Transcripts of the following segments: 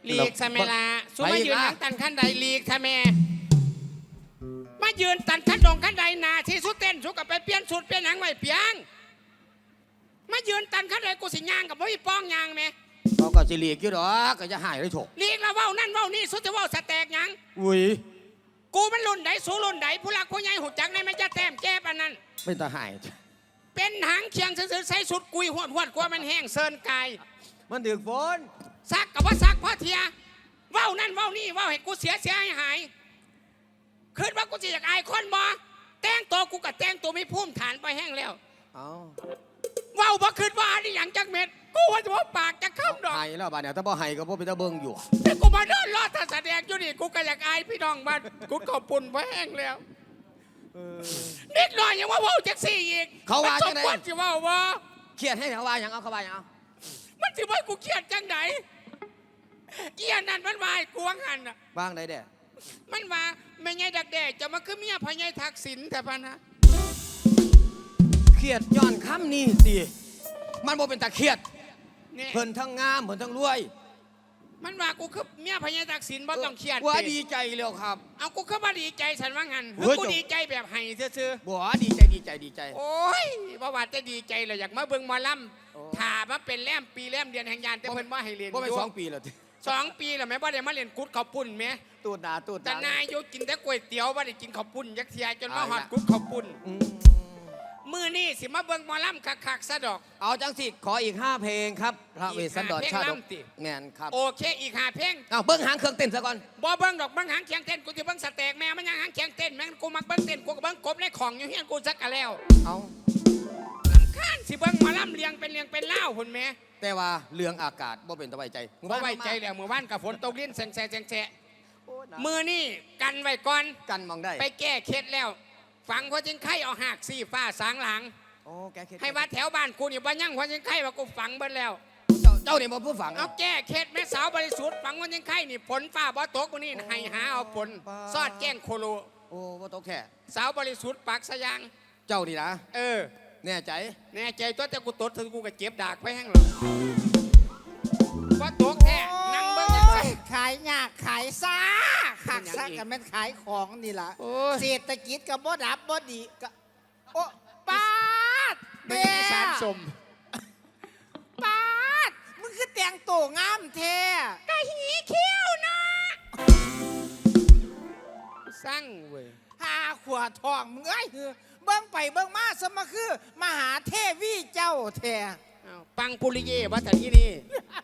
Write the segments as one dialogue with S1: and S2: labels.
S1: ลีกซะแม่ละสู้มายืนหลังตันขั้นใดลีกซะแม่มายืนตันขั้นดงขั้นใดนาที่สุดเต้นสุกับไปเปลี่ยนสุดเปลี่ยนหนังไว้เปียงมายืนตันขั้นใดกูสิย่างกับบ่มีป้องย่างแม่
S2: เขาก็สิลีกอยู่ดอกก็จะหายได้ถก
S1: ลีกแล้วเว้านั่นเว้านี่สุดจะเว้าสแตกยัง
S2: อุ้ย
S1: กูมันรุ่นใดสู้รุ่นใดผู้หลักผู้ใหญ่หูจักในมันจะแต้มแก้ปานนั้น
S2: เป็นตาหาย
S1: เป็นหางเคียงซื่อๆใส่สุดกุยหวดกว่ามันแห้งเซินไก่
S2: มันดึกฝน
S1: ซักกับว่าซักพ่อเทียเว้านั่นเว้านี่เว้าให้กูเสียหายคิดว่ากูจะอยากอายคนบ่แต่งตัวกูกับแต่งตัวไม่พุ่มฐานไปแห้งแล้ว
S2: เอา
S1: เว้าบ่คิดว่าอันนี้อย่างจักเม็ดกูว่าจะว่าปากจะค้ำดอก
S2: หายแล้วบ้านเนี่ยถ้าบ่หายก็บ่เป็นตาเบิ่งอยู่
S1: แต่กูมาเดินรอดถ้าแสดงอยู่นี่กูก็อยากอายพี่น้องบ้านกูก็ปุ่นไปแห้งแล้วนิดหน่อยยังว่าเว้าจักสี่อีก
S2: เขาว่าจังได๋
S1: มันสิเว้าบ่
S2: เครียดให้เขาว่าหยังเอาเขาว่าหยังเอา
S1: มันสิว่ากูเครียดจังได๋เกียนั่นมันวายกวงหันน่ะ
S2: บ้างได้เด้
S1: มันว่าแม่ใหญ่ดักแด่จะมาคือเมียพญายทักษิณแต่พะนะ
S2: เครียดย้อนคำนี้สิมันบ่เป็นตาเครียดเพิ่นทั้งงามเพิ่นทั้งรวย
S1: มันว่ากูคือเมียพญายทักษิณบ่ต้องเครียด
S2: ว่าดีใจแล้วครับ
S1: เอากูคือบ่ดีใจฉันว่างั้นกูดีใจแบบให้ซื่อ
S2: ๆบ่ดีใจ
S1: โอ้ยบ่ว่าจะดีใจแล้วอยากมาเบิ่งหมอลำถ้ามาเป็นแลมปีแลมเดือนแห่งยานแต่เพิ่นบ่ให้เรียน
S2: บ่เป็น2 ปีแล้ว
S1: 2 ปีแล้วแม่บ่ได้มาเรียนกุดข้าวปุ้นแม่
S2: ตูดหน้า
S1: แต่นายอยู่กินแต่ก๋วยเตี๋ยวบ่ได้กินข้าวปุ้นยักเทียจนมาฮอดกุดข้าวปุ้นมื้อนี้สิมาเบิ่งหมอลำคักๆซะดอก
S2: เอาจังสิขออีก5เพลงครับพระเวสสันดรชาดกแม่นครับ
S1: โอเคอีก5เพลง
S2: เอาเบิ่งหางเครื่องเต้นซะก่อน
S1: บ่เบิ่งดอกเบิ่งหางเคียงเต้นกูสิเบิ่งสแต็กแม่มันยังหางเคียงเต้นแม่กูมักเบิ่งเต้นกูก็เบิ่งกบในของอยู่เฮียนกูซักกะแล้ว
S2: เอา
S1: ข้านสิเบิ่งหมอลำเลียงเป็นเล่าพุ่นแม่
S2: แต่ว่าเรื่องอากาศบ่เป็นตะไว้ใจ
S1: บ่ไว้ใจแล้วมื้อวานก็ฝนตกลิ้นแซงมื้อนี้กันไว้ก่อน
S2: กันมองได้
S1: ไปแก้เคล็ดแล้วฝังหัวจิงไข่เอาหากสีฟ้าสางหลังให้ว่าแถวบ้านกูนี่บ่ยังหัวจิงไข่ว่ากูฝังเบิดแล้ว
S2: เจ้านี่บ่ผู้ฝัง
S1: เอาแก้เคล็ดแม่สาวบริสุทธิ์ฝังหัวจิงไข่นี่ฝนฟ้าบ่ตกมื้อนี้ให้หาเอาฝนซอดแกล้งโคโล
S2: โอ้บ่ตกแท้
S1: สาวบริสุทธิ์ปากสะยาง
S2: เจ้านี่นะแน่
S1: ใจตัวแต่กูตดถึงกูก็เจ็บดากไปแห้งหรอกว่าตกแท้นั่งเบิ่งจังไส
S3: ขายยากขายซ่าขักซ่ากันแม่นขายของนี่ล่ะเศรษฐกิจก็บ่ดับบ่ดีก็โอ้ปาด
S1: ไม่ใช่สารสม
S3: ปาดมึงคือแต่งตัวงามแท้
S1: กะหีเขี้ยวนะสั่งเว้ย
S3: หาขวดทองมึงเอ้ยเบิ่งไปเบิ่งมาสมคือมหาเทวีเจ้าแท้
S1: ปังปุริเย่วัดที่นี่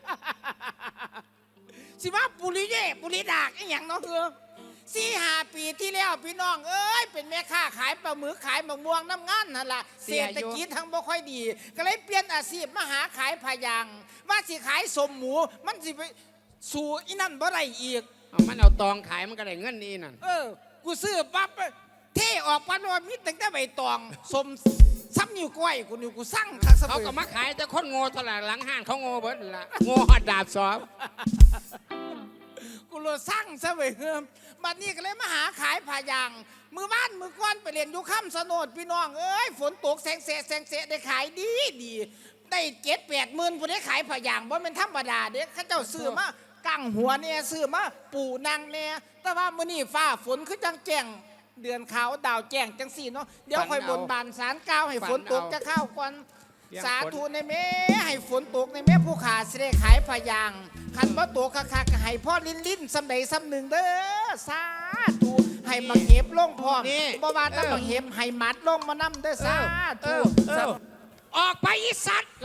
S3: สิว่าปุริเย่ปุริดากไอ้หยังเนาะ4-5 ปีที่แล้วพี่น้องเอ้ยเป็นแม่ค้าขายปลาหมึกขายมะม่วงน้ำงานนั่นล่ะเศรษฐกิจทั้งบ่ค่อยดีก็เลยเปลี่ยนอาชีพมาหาขายพะยางว่าสิขายสมหมูมันสิไปสู่อีนั่นบ่ได้อีก
S1: มันเอาตองขายมันก็ได้เงินนี่นั่น
S3: กูซื้อปั๊บเท่ออกปันว่ามีตั้งแต่ใบตองสมซ้ำอยู่กล้วยกูสั่ง
S1: เขาก็มาขายแต่คนโง่ตลาดหลังห้างเขาโง่เบิดละโง่หอดดาบสอบ
S3: กูโลสั่งซะเว้ยบัดนี้ก็เลยมาหาขายผ้ายางมือบ้านมือก้อนไปเรียนอยู่ค่ำสนดพี่น้องเอ้ยฝนตกแสงเสะได้ขายดีได้7-8 หมื่นผู้ได้ขายผ้ายางบ่เป็นธรรมดาเด็กข้าเจ้าซื้อมากั้งหัวเนี่ยซื้อมาปูนางเนี่ยแต่ว่ามื้อนี้ฟ้าฝนคือจังแจ้งเดือนขาวดาวแจ้งจังสี่เนาะเดี๋ยวค่อยบนบานศาลกล่าวให้ฝนตกจะเข้าก่อนสาธุในแม่ให้ฝนตกในแม่ผู้ขาสิได้ขายพะยางคันบ่ตกคักๆให้พ่อลิ้นสำใดสำหนึ่งเด้อสาธุให้มาเก็บลงพร้อมบ่ว่าแต่มาเก็บให้มัดลงมานำเด้อสาธุ
S1: ออกไปอีสัตว์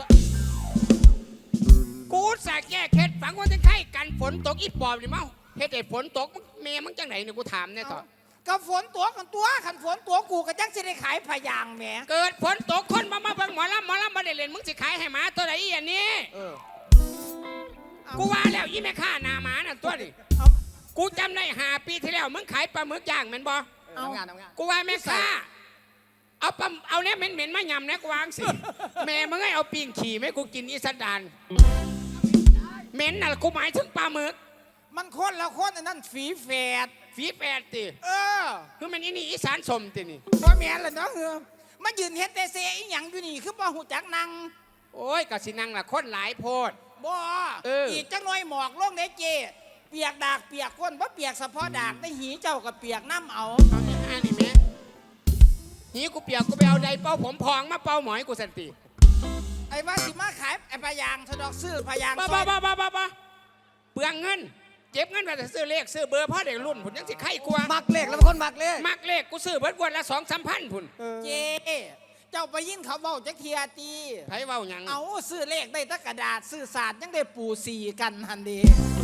S1: กูสะแก้เคล็ดฝังว่าจะไข่กันฝนตกอีปอบนี่มั้งเฮ็ดให้ฝนตกแม่มึงจังไหนเนี่ยกูถามแน่ต่อ
S3: ก็ฝนตัวกันตัวขันฝนตัวกูก็จังสิได้ขายพะยางแหม
S1: เกิดฝนตกคนมาเบิ่งหมอลำมาได้เล่นมึงสิขายให้หมาตัวไหนอีอันนี้กูว่าแล้วยี่แม่ข้านาหมาน่ะตัวนี่กูจำได้5 ปีที่แล้วมึงขายปลาหมึกย่างเหม็นบ่กูว่าแม่ข้าเอาเนี่ยเหม็นมายำนะกูวางสิแม่มึงให้เอาปิ้งขี่ไหมกูกินอีสันดานเหม็นน่ะกูหมายถึงปลาหมึก
S3: มันคนละคนอันนั้นฝีแฝด
S1: ติคือมันนี่อีสานสมตินี่
S3: บ่แม่นล่ะเนาะมายืนเฮ็ดแต่เซอีหยังอยู่นี่คือบ่ฮู้จักนั่ง
S1: โอ้ยก็สินั่งล่ะคนหลายโพด
S3: บ่อีกจังหน่อยหมอกลงเด้เจเปียกดากเปียกก้นบ่เปียกเฉพาะดากได้หีเจ้ากับเปียกน้ำเอา
S1: เอาที่ห้านี่แม่หีกูเปียกกูไปเอาใดเป้าผมพองมาเป้าหมอยกูสันติ
S3: ไอ้ว่าสิมาขายไอ้พยางสะดอกซื้อพยาง
S1: บ้า
S3: ซอย
S1: เปลืองเงินเจ็บเงินไปแต่ซื้อเลขซื้อเบอร์พ่อเด็กรุ่นผุนยังสิไข่กลัว
S2: มักเลขแล้วเป็นคนมักเลข
S1: มักเลขกูซื้อเบิดวันละ2-3 พันผุน
S3: เจเจ้าไปยินเขาเว้าจักเทียตี
S1: ไผเว้าหยัง
S3: เอาซื้อเลขได้แตะกระดาษซื้อศาสตร์ยังได้ปูสีกันหันดี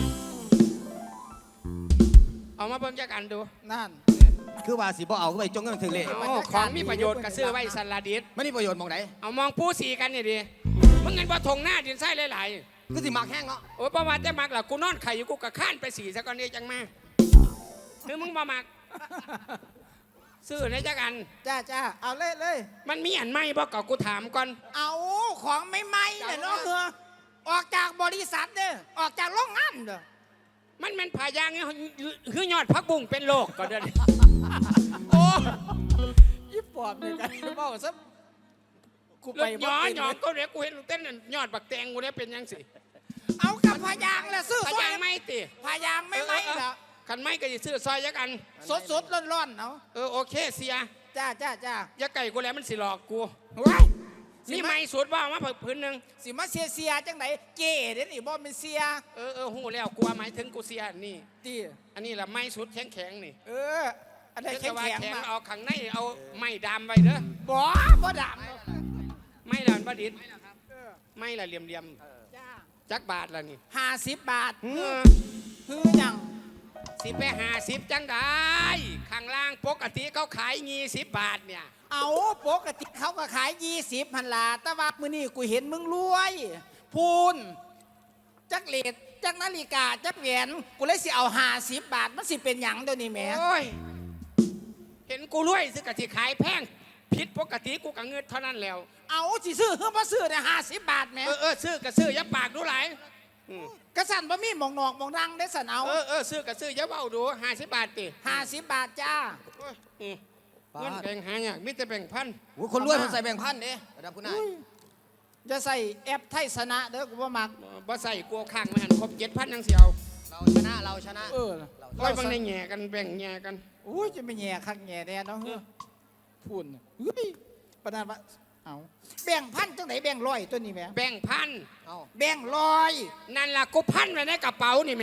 S1: เอามาเบิ่งจักอันดู
S3: นั่น
S2: คือว่าสิบ่เอาเข้าไปจงเงินถึงเลข
S1: เอาของมีประโยชน์ก็ซื้อไว้สันลาดิส
S2: ไม่มีประโยชน์หมองไหน
S1: เอามองผู้สีกันนี่ดิมึงเงินบ่ทงหน้าดินไส้หลาย
S2: คือสิมักแห้งเนาะ
S1: ๆโอ้ยประมาณจะมักล่ะกูนอนไข่อยู่กูกะข้านไปสีซะก่อนนี่จังมาคือมึงบ่มักซื้อในจักอัน
S3: จ้าเอาเลย
S1: มันมีอันไหมบ่ก็กูถามก่อน
S3: เอาของไม่ไหมเนี่ยเนาะเฮือออกจากบริษัทเด้อออกจากโรงงานเด้อ
S1: มันเป็นผายางนี่คือยอดพักบุ้งเป็นโรคก็เดือนโอ้
S3: ยี่ปอบนี่กันเว้าซะกู
S1: ร
S3: ไป
S1: ถ
S3: บ่
S1: ย้อน
S3: เป็น
S1: ย้อนก็เดี๋ยวกูเห็นลูกเต้นนั่นยอดบักแตงกูเนี่ยเป็นยังสิ
S3: เอากับพยางแล้วซื้อ
S1: ผายางไม่ติ
S3: พยางไม่ไหมเหรอ
S1: คันไม่ก็จะซื้อซอยยักอัน
S3: สดร้อนๆเนาะ
S1: โอเคเสีย
S3: จ้า
S1: ยักไก่กูแล้วมันสิหลอกกู
S3: ว้าย
S1: นี่ไม่สุดว่ามาพื้นหนึ่ง
S3: สิมาเสียจังไหนเก๋เด้นี่บ่เป็นเสีย
S1: หูแล้วกูว่าหมายถึงกูเสียนี่
S3: ตี
S1: อันนี้แหละไม่สุดแข็งๆนี่
S3: อันไหน
S1: เดี๋ยวจะว่า
S3: แข็ง
S1: แข็ง
S3: ๆมา
S1: เอาขังในเอาไม้ดามไว้เด้อ
S3: บ่ด
S1: ไม้ดามประดิษฐ์ไม้ละเหลี่ยม
S3: ำจ้า
S1: ๆจักบาทละนี่
S3: 50 บาท
S1: เออ
S3: ยัง
S1: สิไป50จังได้ข้างล่างปกติเขาขาย20 บาทเนี่ย
S3: เอาปกติเขาก็ขาย20พันลาแต่ว่ามื้อนี้กูเห็นมึงรวยพูนจักเลดจักนาฬิกาจักแหวนกูเลยสิเอา50 บาทมันสิเป็นหยังเดี๋ยวนี้แหม
S1: โอ้ยเห็นกูรวยซื้อกะทิขายแพงผิดปกติกูกะเงินเท่านั้นแล้ว
S3: เอาสิซื้อเฮือบ่ซื้อได้50 บาทแหม
S1: ซื้อกะซื้ออย่าปากดูหลาย
S3: กระสันบ่มีหมองนอกหมองดังได้สันเอา
S1: ซื้อกะซื้ออย่าเบาดู50 บาทติ
S3: 50 บาทจ้า
S1: โอ้ยเงินแบ่งหาอย่างมิแต่แบ่งพัน
S2: โอ้คนรวยคนใส่แบ่งพันเด้ระดับคุณนาย
S3: จะใส่แอปไทยสนะเด้อกูบ่มัก
S1: บ่ใส่กลัวข้างมันครบ7,000ยังเสียว
S2: เราชนะ
S1: ร้อยบางในแง่กันแบ่งแง่กัน
S3: อุ้ยจะไม่แย่คักแย่แน่เนาะเฮ้อพูนเฮ้ยปานนั้นว่าเอาแบ่งพันจังไหนแบ่งร้อยตัวนี้แหม
S1: แบ่งพัน
S2: เอา
S3: แบ่งร้อย
S1: นั่นล่ะกูพันไว้ในกระเป๋านี่แหม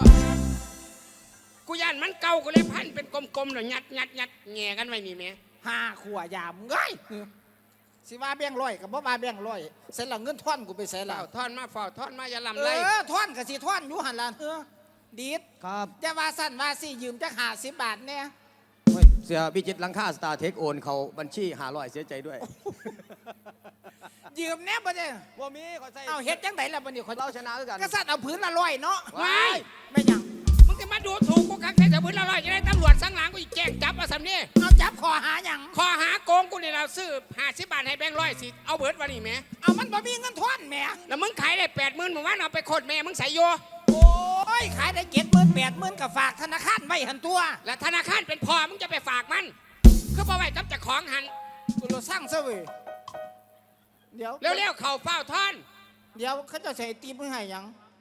S1: กูย่านมันเก่ากูเลยพันเป็นกลมๆแล้วยัดแง่กันไว้นี่แหม
S3: 5ขวดยามเอ้ยสิว่าแบ่งร้อยกับบ่ว่าแบ่งร้อยเสร็จแล้วเงินท่อนกูไปใส่แล้
S1: เฝ้าว ทอนมาเฝ้าทอนมาอย่าลำ
S3: เอ
S1: ไร
S3: อท่อนก็สิท่อนอยู่หั่นล่ะเฮ้อดีด
S2: ครับ
S3: จะว่าสั่นว่าสิยืมจัก50 บาทแน่
S2: เฮ้ยเสียบิจิตหลังค่าสตาร์เทคโอนเขาบัญชี500เสียใจด้วย
S3: ยืมแน่บ่ได้
S2: ว่ามีขอใส่
S3: เอาเฮ็ดจังไดล่ะบัดนี้คน
S2: เราชนะด้วยกัน
S3: กษัตริย์เอาพื้นละร้อยเนาะ
S1: ว้าย
S3: ไม่หยัง
S1: มึงจะมาดูถูกกูคักแค่จะพื้นละร้อยจะได้ตำรวจสังหลังกูอีกแจ้งจับมาสำนี่
S3: เอาจับคอหาหยัง
S1: ข้อหาโกงกูเนี่ยเราซื้อ50 บาทให้แบงค์ร้อยสิเอาเบิร์ดวันนี้แหม่
S3: เอามันบ่มีเงินทอนแหม่
S1: แล้วมึงขายได้80,000มึงว่าเอาไปโคตรแม่มึงใส่โย
S3: โอ้ยขายได้70,000 80,000ก็ฝากธนาคารไว้หันตัว
S1: แล้วธนาคารเป็นพ่อมึงจะไปฝากมันคือบ่ไว้กับเจ้าของหัน
S3: กูเราสร้างซะเว้ยเดี๋ยว
S1: เร็วๆเข่าเฝ้าท่อน
S3: เดี๋ยวเขาจะใส่ตีมือให้หยัง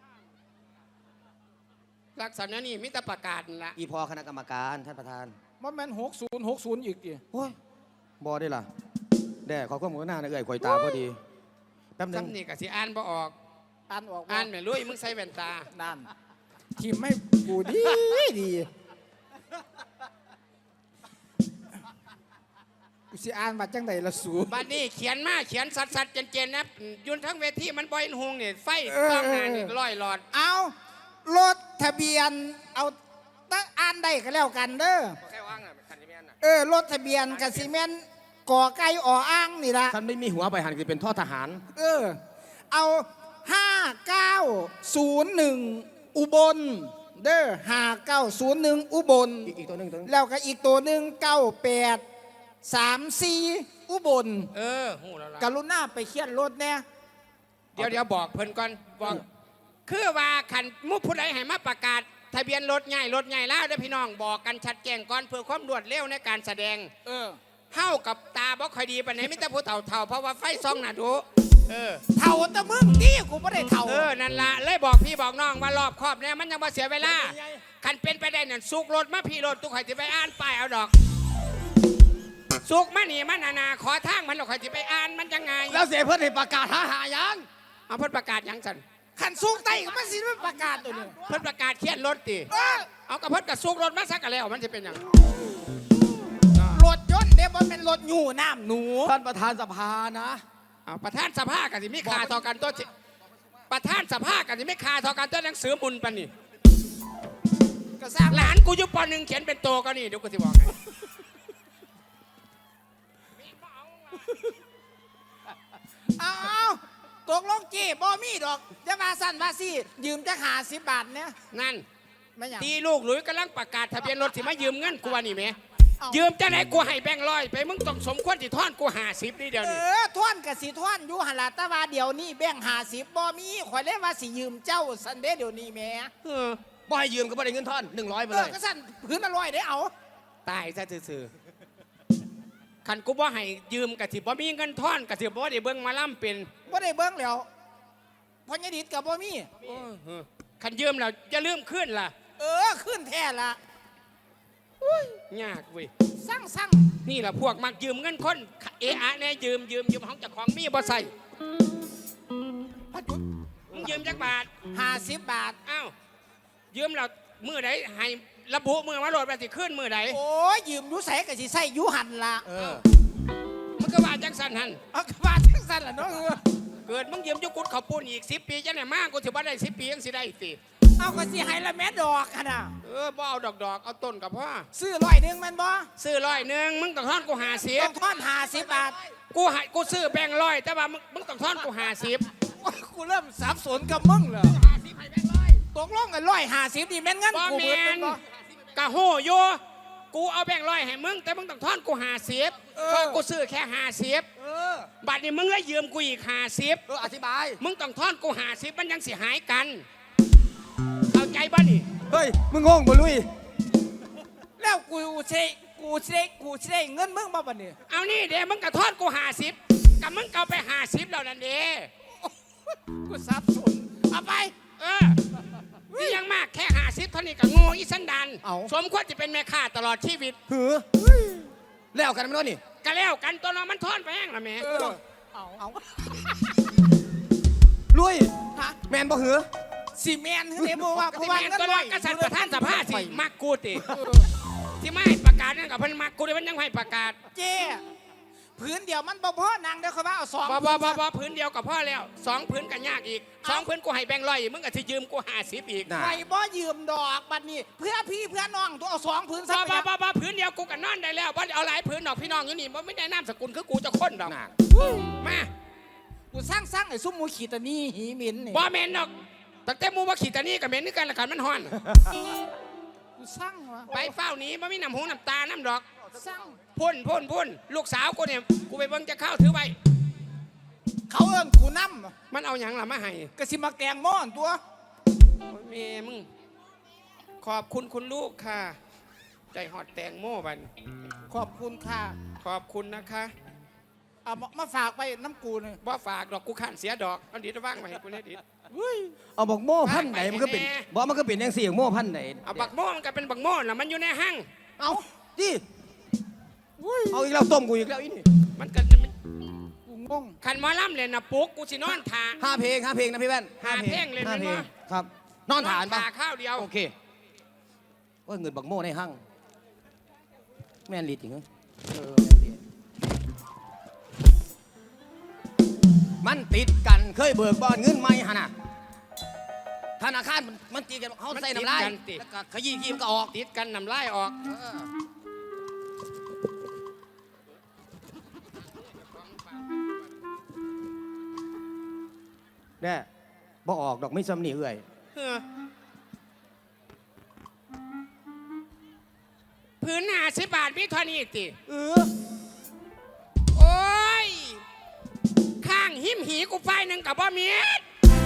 S1: ลักษณะนี้มิตรประกาศนั่นละ
S2: อีพอคณะกรรมการท่านประธาน
S3: บ่แม่น60อีกดิ
S2: โอ้ยบอได้ล่ะแด่ขอความกรุณานะเอ่ยข่อยตาพอดีแป๊บนึง
S1: ซ้ำนี่ก็สิอ่านบ่ออก
S3: อ่านออกบ่
S1: อ่านแม่ลุยมึงใส่แว่นตา
S3: นั่นทีมไม่กูดีดีกูสิอ่านว่าจังไดล่ะสู
S1: บัดนี้เขียนมาเขียนสัดๆเจนๆนะยุนทั้งเวทีมันบ่เห็นหงนี่ไฟกล้องหน้านี่ร้อยหลอด
S3: เอารถทะเบียนเอาตั้งอ่านได้ก็แล้วกันเด้อ
S1: แค่ว่างอ่ะคันนี้แม่นน่ะ
S3: รถทะเบียนกสิเมนก่อไก่อ่ออ้างนี่ละ
S2: ท่านไม่มีหัวไปหันคือเป็นท่อทหาร
S3: เอา5901อุบลเด้อ5901อุบล
S2: อีกตัวหนึงตัวหนึง
S3: แล้วก็อีกตัวหนึ่ง9834อุบล
S1: หูแล้วล่ะ
S3: กรุณาไปเขียนรถแน่
S1: เดี๋ยวบอกเพิ่นก่อนบอกคือว่าขันมุกผู้ใดให้มาประกาศ ทะเบียนรถใหญ่แล้วเด้อพี่น้องบอกกันชัดแจ้งก่อนเพื่อความรวดเร็วในการแสดงเฮากับตาบ่ค่อยดีปานไหนมิแต่ผู้เฒ่าๆเพราะว่าไฟส่องน่ะดู
S3: เท่าแต่มึงที่กูไม่ได้เท่า
S1: นั่นละเลยบอกพี่บอกน้องว่ารอบครอบเนี่ยมันยังมาเสียเวลาคันเป็นไปได้เนี่ยสุกรถมาพี่รถตุกข่อยจะไปอ่านป้ายเอาดอกสุกมาหนีมันนาขอทางมันหรอกข่อยจะไปอ่านมันยังไง
S2: แล้วเสียเพื่อนให้ประกาศหายัง
S1: เอาเพิ่นประกาศยังสัน
S3: ขันสูงไต่ก็มันสิมันประกาศตัวนี้
S1: เพิ่นประกาศเขียนรถติ เอากระเพิ่นกับสุกรถมาสักกันแล้วมันจะเป็นหยัง
S3: รถยนต์เดี๋ยวมันเป็นรถอยู่น้ำหนู
S2: ท่านประธานสภานะ
S1: เอาประธานสภากันสิไม่ขาต่อกันตัวจิประธานสภากันสิไม่ขาต่อกันตัวหนังสือมุนปะนี่
S3: ก็สร้าง
S1: หลานกูอยู่ป .1 เขียนเป็นโตก็นี่เดี๋ยวกูจะบอกไง
S3: เอาตกลงจีบ่มีดอกจะมาสั่นมาสิยืมจะหา10 บาทเนี่ย
S1: นั่น
S3: ไม่อยาก
S1: ตีลูกหลุยกำลังประกาศทะเบียนรถสิมายืมเงินกูว่านี่แหม่
S3: เอา
S1: ยืมจะไหนกูให้แบงค์ร้อยไปมึงต้องสมควรที่ทอนกู50นี่เดียวนี่
S3: ท่อนกับสีท่อนอยู่หันละแตะวาเดี๋ยวนี้แบ่ง50บ่มีข่อยเลยว่าสิยืมเจ้าสันเดย์เดี๋ยวนี้แหม่
S2: บ่ให้ยืมก็บ่ได้เงินท่อน100ไปเลย
S3: ก็สั่นพื้นละ100ได้เอา
S1: ตายซะซื่อๆคันกูบ่ให้ยืมกะสิบ่มีเงินทอนกะสิบ่ได้เบิ่งหมาล่ำเป็น
S3: บ่ได้เบิ่งแล้วพอญดิตกับบ่มี
S1: คันยืมแล้วจะลืมขึ้นล่ะ
S3: ขึ้นแท้ละ
S1: ยากเว้ย
S3: สั่ง
S1: นี่แหละพวกมักยืมเงินคนเอะอะแน่ยืมของเจ้าของมีบ่ใส่
S3: พัดจุด
S1: มึงยืมจักบาท
S3: 50 บาท
S1: อ้าวยืมแล้วมือใดให้ระบุมือมาโหลดไปสิขึ้นมือใด
S3: โอ้ยยืมอยู่ไสก็สิใส่อยู่หันละ
S1: มึงก็ว่าจังสันหัน
S3: เอาก็ว่าจังซั่นล่ะเนาะ
S1: เกิดมึงยืมอยุกุดเขาวปูนอีก10 ปีจังไหนมากกูถือว่าได้10 ปียังสิได้สิ
S3: เอาก็สิให้ละแม่ดอกหั่นน่ะ
S1: บ่เอาดอกเอาต้นกับพ่อ
S3: ซื้อ100แม่นบ่
S1: ซื้อ100มึงต้องทอนกู
S3: ต้องทอน50 บาท
S1: 50กูซื้อแบงค์ร้อยแต่ว่ามึงต้องทอนกู50
S3: โอ้ยกูเริ่มสับสนกับมึงเหรอตกลงกัน150นี่แม่นเงิน
S1: บ่
S3: กู
S1: แม
S3: เบิดแม่
S1: น
S3: นบ่
S1: กะโหโยกูเอาแบงค์ร้อยให้มึงแต่มึงต้องทอนกู50เพราะกูซื้อแค่50บัดนี้มึงเลยยืมกูอีก50
S2: อธิบาย
S1: มึงต้องทอนกู50มันยังสิหายกันเข้าใจบ่นี่
S2: เฮ้ยมึงงงบ่ลุย
S3: แล้วกูสิได้เงินมึงบ่บัดนี้
S1: เอานี่เดี๋ยวมึงก็ทอนกู50กับมึงเกาไป50แล้วนั่นเด้
S3: กูสับสนเอาไป
S1: ที่ยังมากแค่50เท่านี้ก็โง่อีสันดาน
S3: เอา
S1: สมควรจะเป็นแม่ค้าตลอดชีวิต
S2: หือแล้วกันไม่รู้นี่
S1: ก็แล้วกันตัวน้องมันทอนไปแห้งละแม่
S3: เอา
S2: ลุย
S3: ฮะ
S2: แมนบ่หือ
S3: สิแม่นคือเด้บ่ว่าเพ
S1: ที่
S3: ราะว่า
S1: แม่น
S3: เงิน
S1: ตัว
S3: ร้
S1: น้
S3: อ
S1: อย งกษัตริย์ประธานสภาสิมักกูติที่ไม่ให้ประกาศนั่นกับเพิ่นมักกูเลยมันยังให้ประกาศ
S3: เจ้พื้นเดียวมันบ่พอนางเด้อเขาว่าเอา2
S1: บ่พื้นเดียวกับพ่อแล้ว2พื้นก็ยากอีก2พื้นกูให้แบงค์ร้อยมึงก็สิยืมกู50อีก
S2: น่ะ
S3: ไปบ่ยืมดอกบัดนี้ เพื่อพี่เพื่อน้องตัวเอา2พื้นซะไป
S1: บ่พื้นเดียวกูก็นอนได้แล้วบ่เอาหลายพื้นดอกพี่น้องอยู่นี่บ่ไม่ได้นามสกุลคือกูจะค้นดอก
S2: น่ะ
S1: มา
S3: กูสร้างไอ้ซุ่มหมูขีตานี่หีหมินนี่
S1: บ่แม่นดอกตั้งแต่หมูว่าขี่ตานี่กับแม่นคือกันละกันมันฮ้อน
S3: กูสร้างวะ
S1: ไปเฝ้าหนี้บ่มีน้ำหูน้ำตาน้ำดอก
S3: สร้าง
S1: พ่นลูกสาวกูเนี่ยกูไปเบิ่งจะเข้าถือไว้
S3: เขาเอิ้นกูนำ
S1: มันเอาหยังล่ะมาให้
S3: ก็สิมาแกงหม้อนตัว
S1: โอ้ยแม่มึงขอบคุณคุณลูกค่ะ ใจหอดแตงโม่บัน
S3: ขอบคุณค่ะ
S1: ขอบคุณนะคะ
S3: เอามาฝากไปน้ำกูนี่
S1: บ่ฝากดอกกูขันเสียดอกเอาดิดว่างไว้ให้กูเนี่ยดิด
S2: เอาบอกโม่พันไหนมันก็เป็น
S1: แม่
S2: บอกมันก็เป็นยังเสียงโม่พันไหน
S1: เอาบักโม่มันก็เป็นบักโม่น่ะมันอยู่ในห้าง
S2: เอาดิเอาอีกแล้วต้มกูอีกแล้วอีนี่
S1: มันก็จะ
S3: กูงง
S1: ขันหมอล่ำเลยนะปุ๊กกูสินอนทา
S2: 5 เพลงนะพี่แว่น
S1: ห้าเพลงเลย
S2: ห้า
S1: แม่น
S2: เพล
S1: บ่
S2: งครับ นอนฐานปะ
S1: ข้าวเดียว
S2: โอเคว่าเงินบักโม่ในห้างแม่นลีดจริงเหรอมันติดกันเคยเบิกบอนเงินไหมฮะน่ะธนาคารมันตีกันเขาใส่น้ำลายแล้วก็ขยี้มันก็ออก
S1: ติดกันน้ำลายออก
S2: แน่บ่ออกดอกไม่ซ้ำนี่เอื่อย
S1: พื้น50 บาทมีเท่านี้ติ
S2: อ
S1: โอ้ย ข้างหิมหีกูไฟหนึ่งกับบ่มีด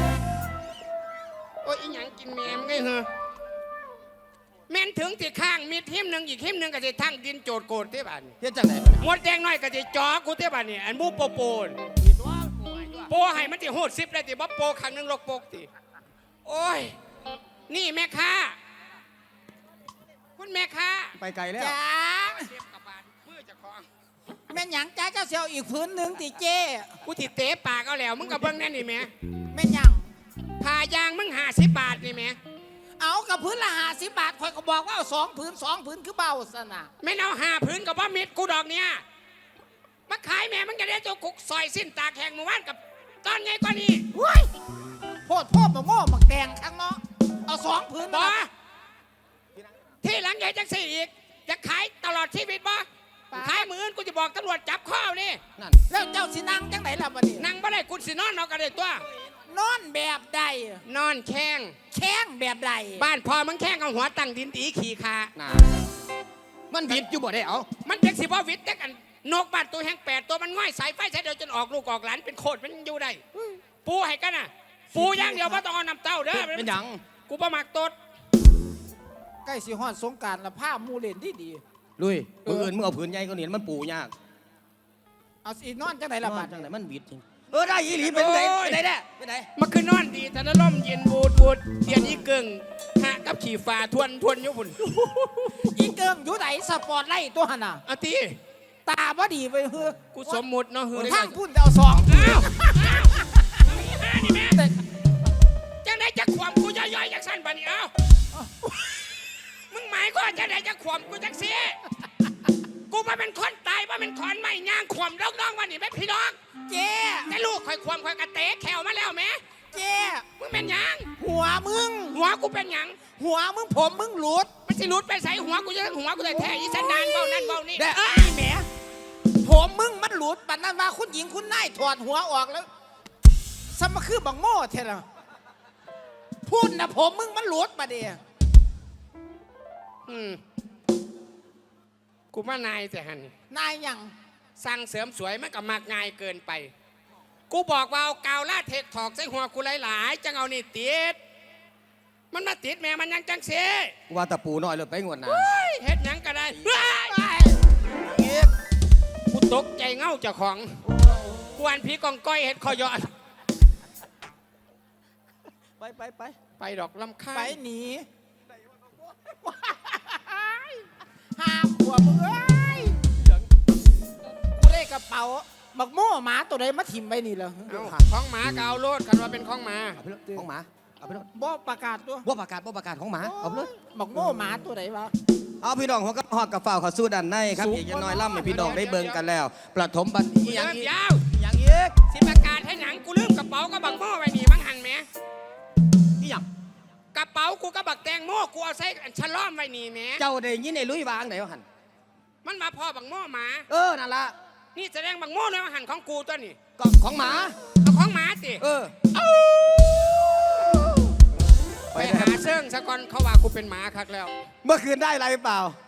S1: โอ้ยอีหยังกินแมมไงเหรอแม่นถึงที่ข้างมีหิมหนึ่งอีกหิมหนึ่งก็จะทั้งดินโจดโกดเท่บ้าน
S2: เฮ็ดจังไหน
S1: หมดแดงน้อยก็จะจอกูเท่บ้านนี่อันบูโปโปนโปให้มันติโหด10ได้ติบ่โปครั้งหนึงลกโปกติโอ้ยนี่แม่ค้าคุณแม่ค้า
S2: ไปไกลแล้ว
S3: จ้า
S1: เจ็บกับบาดมือเจะของ
S3: แม่นหยังจ้าเจ้าเสียวอีกพื้นหนึ่งติเจ้
S1: กูติเตะปากเอาแล้วมึงกับเบิ้งแน่นี่แหม่
S3: แม่นหยัง
S1: ผ่ายางมึง50 บาทนี่แหม่
S3: เอากับพื้นละ50 บาทคอยก็บอกว่าเอา2 พื้น 2 พื้นคือเบาสนะ
S1: ไม่เอา5 พื้นกับว่ามิดกูดอกเนี่ยมาขายแม่มึงจะได้เจ้ากุกซอยสิ้นตากแข่งเมื่อวานกับตอนไงกว่านี้
S3: เฮ้ยโพดมาโม่มาแดงข้างเนาะเอา2 พื้น
S1: บอ
S3: มา
S1: ที่หลังใหญ่จังสี่อีกจะขายตลอดชีวิตบ่ขายมืออื่นกูจะบอกตำรวจจับข้อนี่
S2: นั่น
S3: แล้วเจ้าสินั่งจังไหนล่ะบัดนี้
S1: นั่งบ่ได้กูสินอนเอากันเลยตัวน
S3: อนแบบใด
S1: นอนแข้ง
S3: แข้งแบบใด
S1: บ้านพอมึงแข้งเอาหัวตั้งดินตีขี่ขา
S2: น่ะมันบิดอยู่บ่ได้เอา
S1: มันเป็นสิบ่วิทย์แต่กันนกบ้านตัวแห้ง8 ตัวมันง่อยสายไฟใช้เดียวจนออกลูกออกหลานเป็นโคตรมันอยู่ได้ปูให้กันน่ะปูอย่างเดียวบ่ต้องเอาน้ำเต้าเด้อ
S2: เป็นหยัง
S1: กูบ่มักตด
S3: ใกล้สิฮอดสงกรานต์ละผ้าหมูเล่นดี
S2: ลุยมืออื่นมึงเอาผืนใหญ่ก็นี่มันปูยาก
S3: ๆเอาสินอนจังไหนล่ะบัด
S2: จังไหนมันบิดจริงได้อีหลีเป็นไงเป็นไงแน่เป็นไง
S1: มันคือนอนดีแต่ละล่มเย็นบูดเดียนอีเกิงหะกับขี่ฟ้าทวนอยู่พุ่น
S3: อีเกิงอยู่ไหนสปอร์ตไล่ตัวหั่นน่ะ
S1: เอาตี
S3: ตาบ่ดีไปเฮ้อ
S1: กูสมมุติเนาะเฮ้ย
S3: ทางพุ่นเอา2
S1: อ้าวนี่แม่จังไหนจะขวมกูย่อยๆจังสั้นปะนี่เอ้ามึงหมายก็จังไหนจะขวมกูจังเสียกูมาเป็นคนตายมาเป็นคนไม่ย่างขวมน้องๆวันนี้แม่พี่น้อง
S3: เจ้
S1: แต่ลูกคอยขวมคอยกระเตะแขวมาแล้วแม่
S3: เจ้
S1: มึงเป็นหยัง
S3: หัวมึง
S1: หัวกูเป็นหยัง
S3: หัวมึงผมมึงหลุด
S1: มันสิหลุดไปใส่หัวกูจะหัวกูเลยแท้อีสันดานเบานั่นเบานี่
S3: เอ้ยแหมผมมึงมันหลุดปันนั้นว่าคุณหญิงคุณนายถอดหัวออกแล้วสมคือบังโม่เท่าไหร่พูดนะผมมึงมันหลุดมาเดีย
S1: กูมานายแต่หัน
S3: นายยัง
S1: สั่งเสริมสวยมันก็มากง่ายเกินไป กูบอกว่าเอากาวลาเทคถอกใส่หัวกูหลายๆจังเอานี่ติดมันมาติดแม่มันยังจังเส
S2: ว่าตะปูน้อยเลยไปงวดหน้า
S1: เฮ็ดหยังก็ได้เฮ้ยกูตกใจเง่าเจ้าของกวนผีกองก้อยเฮ็ดคอยอด
S2: ไป
S1: ไปดอกลำค่า
S3: ไป
S1: ย
S3: หนีห้าขวบมึงเอ้ยกูได้กระเป๋าบักโม่หมาตัวใดมาถิ่มไปนี่เหรอ
S1: เอาของหมาก็เอาโลดกันว่าเป็นของหมา
S2: เอาไปเลยของหมาเอาไปเลย
S3: บ่ประกาศตัว
S2: ว่าประกาศของหมาเอาไปเลย
S3: บักโม่หมาตัวไหนวะ
S2: เอาพี่น้องหัวกับหอดกับฝ่าวเขาสู้ดันในครับอีกอย่างน้อยล่ำให้พี่น้องได้เบิ่งกันแล้ว ประถมบันอีหยัง
S1: เริ่ม
S2: อีก
S1: ยาว
S2: อย่างอีก
S1: สิประกาศให้หนังกูลืมกระเป๋าก็บักโม่ไว้นี่มั้งหันแหม
S2: อีหยัง
S1: กระเป๋ากูก็บักแตงโม่กูเอาใส่ฉลอมไว้นี่แหม
S2: เจ้าได้ยินไอ้ลุยวางไหนวะหัน
S1: มันมาพ่อบักโม่หมา
S2: นั่นละ
S1: นี่แสดงบักโม่เลยว่าหันของกูตัวนี่
S2: ก็ของหมา
S1: เอาของหมาสิ ไป
S2: ไป
S1: หาเซิ่งสะก่อนเขาว่ากูเป็นหมาคักแล้ว
S2: เมื่อคืนได้อะไรเปล่า